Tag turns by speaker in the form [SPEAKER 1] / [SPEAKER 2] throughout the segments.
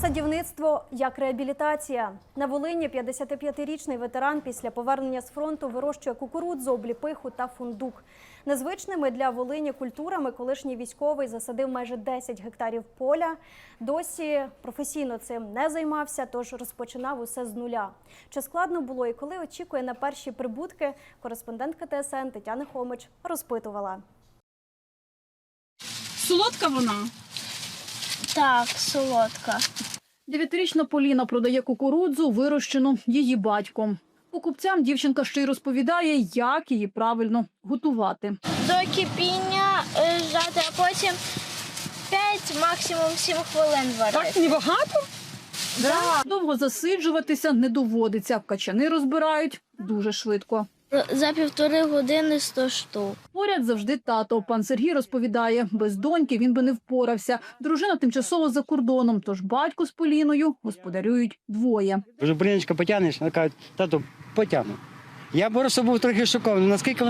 [SPEAKER 1] Садівництво як реабілітація. На Волині 55-річний ветеран після повернення з фронту вирощує кукурудзу, обліпиху та фундук. Незвичними для Волині культурами колишній військовий засадив майже 10 гектарів поля. Досі професійно цим не займався, тож розпочинав усе з нуля. Чи складно було і коли очікує на перші прибутки, кореспондентка ТСН Тетяна Хомич розпитувала.
[SPEAKER 2] Солодка вона?
[SPEAKER 3] Так, солодка.
[SPEAKER 2] 9-річна Поліна продає кукурудзу, вирощену її батьком. Покупцям дівчинка ще й розповідає, як її правильно готувати.
[SPEAKER 3] До кипіння жати, а потім 5, максимум 7 хвилин варити.
[SPEAKER 2] Так, небагато? Довго засиджуватися не доводиться. Качани розбирають дуже швидко.
[SPEAKER 3] За 1,5 години 100 штук.
[SPEAKER 2] Поряд завжди тато. Пан Сергій розповідає, без доньки він би не впорався. Дружина тимчасово за кордоном, тож батько з Поліною господарюють двоє.
[SPEAKER 4] Кажу, Поліночка, потягнеш? Вона каже, тату, потягну. Я просто був трохи шокований, наскільки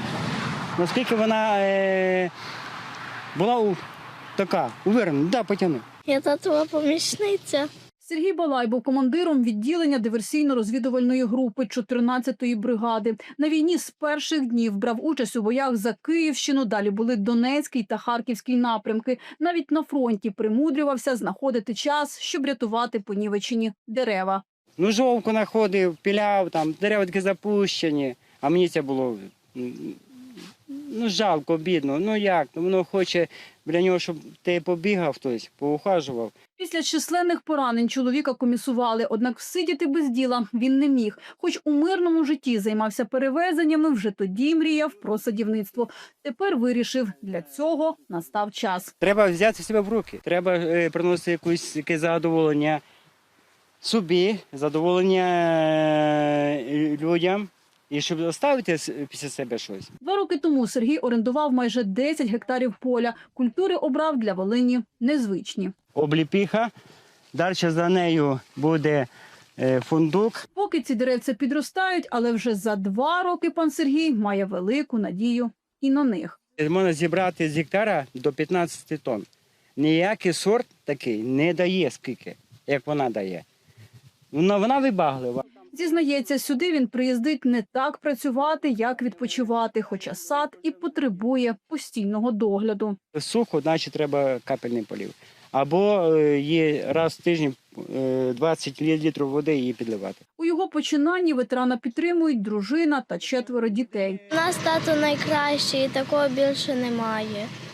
[SPEAKER 4] вона була така, уверена, да, потягну.
[SPEAKER 3] Я татова помічниця.
[SPEAKER 2] Сергій Балай був командиром відділення диверсійно-розвідувальної групи 14-ї бригади. На війні з перших днів брав участь у боях за Київщину, далі були Донецький та Харківський напрямки. Навіть на фронті примудрювався знаходити час, щоб рятувати понівечені дерева.
[SPEAKER 4] Ну, жовку знаходив, піляв, там, дерева такі запущені, а мені це було жалко, бідно. Ну як, воно хоче для нього, щоб ти побігав хтось, поухажував.
[SPEAKER 2] Після численних поранень чоловіка комісували, однак всидіти без діла він не міг. Хоч у мирному житті займався перевезеннями, вже тоді мріяв про садівництво. Тепер вирішив, для цього настав час.
[SPEAKER 4] Треба взяти себе в руки, треба приносити якесь задоволення собі, задоволення людям. І щоб залишити після себе щось.
[SPEAKER 2] 2 роки тому Сергій орендував майже 10 гектарів поля. Культури обрав для Волині незвичні.
[SPEAKER 4] Обліпіха, далі за нею буде фундук.
[SPEAKER 2] Поки ці деревця підростають, але вже за 2 роки пан Сергій має велику надію і на них.
[SPEAKER 4] Можна зібрати з гектара до 15 тонн. Ніякий сорт такий не дає скільки, як вона дає. Вона вибаглива.
[SPEAKER 2] Зізнається, сюди він приїздить не так працювати, як відпочивати, хоча сад і потребує постійного догляду.
[SPEAKER 4] Сухо, значить треба капельний полив. Або є раз в тиждень 20 літрів води її підливати.
[SPEAKER 2] У його починанні ветерана підтримують дружина та 4 дітей.
[SPEAKER 3] У нас тато найкращий, і такого більше немає.